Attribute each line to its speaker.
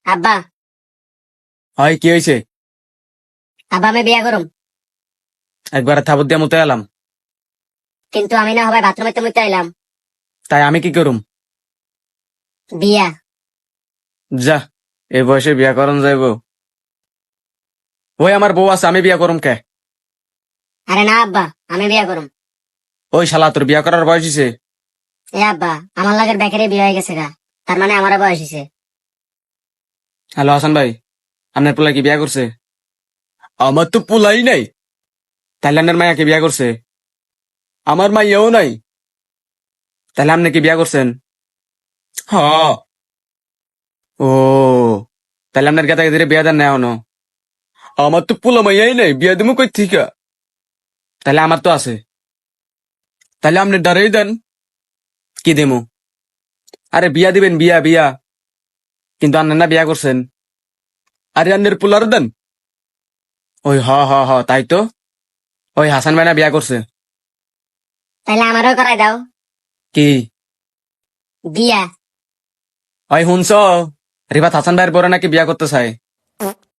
Speaker 1: আব্বা,
Speaker 2: হয় কি হয়েছে?
Speaker 1: আব্বা আমি বিয়া করুম,
Speaker 2: একবার থাবত দিয়া মতো এলাম,
Speaker 1: কিন্তু আমি না হয় বাথরুমে তো মুইতে আইলাম।
Speaker 2: তাই আমি কি করুম?
Speaker 1: বিয়া।
Speaker 2: যা, এই বয়সে বিয়া করন যাইব? ওই আমার বউ আছে, আমি বিয়া করুম কে?
Speaker 1: আরে না আব্বা, আমি বিয়া করুম।
Speaker 2: ওই শালা তোর বিয়া করার বয়স হইছে?
Speaker 1: এ আব্বা, আমার লাগের বেকারে বিয়া হয়ে গেছে গা, তার মানে আমারও বয়স হয়েছে।
Speaker 2: হ্যালো হাসান ভাই, আপনার পোলা কি বিয়া করছে? আমার তো পোলাই নাই। তাইলে আপনার মায়া কি বিয়া করছে? আমার মাইয়াও নাই। তাহলে আপনি কি বিয়া করছেন? হ। ও, তাহলে আপনার গেতা গেদিরে বিয়া দেন না এখনো? আমার তো পোলা মাইয়াই নাই, বিয়া দিমু কই থিকা? তাহলে আমার তো আছে। তাহলে আপনি ডারেই দেন, কি দিমু? আরে বিয়া দিবেন, বিয়া বিয়া। কিন্তু আন্নার না বিয়া করছেন। আরে আন্নের পোলার দেন। ওই হ হ হ, তাই তো। ওই হাসান ভাই না বিয়া করছে।
Speaker 1: তাইলে আমারও করাই দাও
Speaker 2: কি?
Speaker 1: বিয়া।
Speaker 2: ওই শুনছ, রিবাত হাসান ভাইয়ের পরে নাকি বিয়া করতে চায়।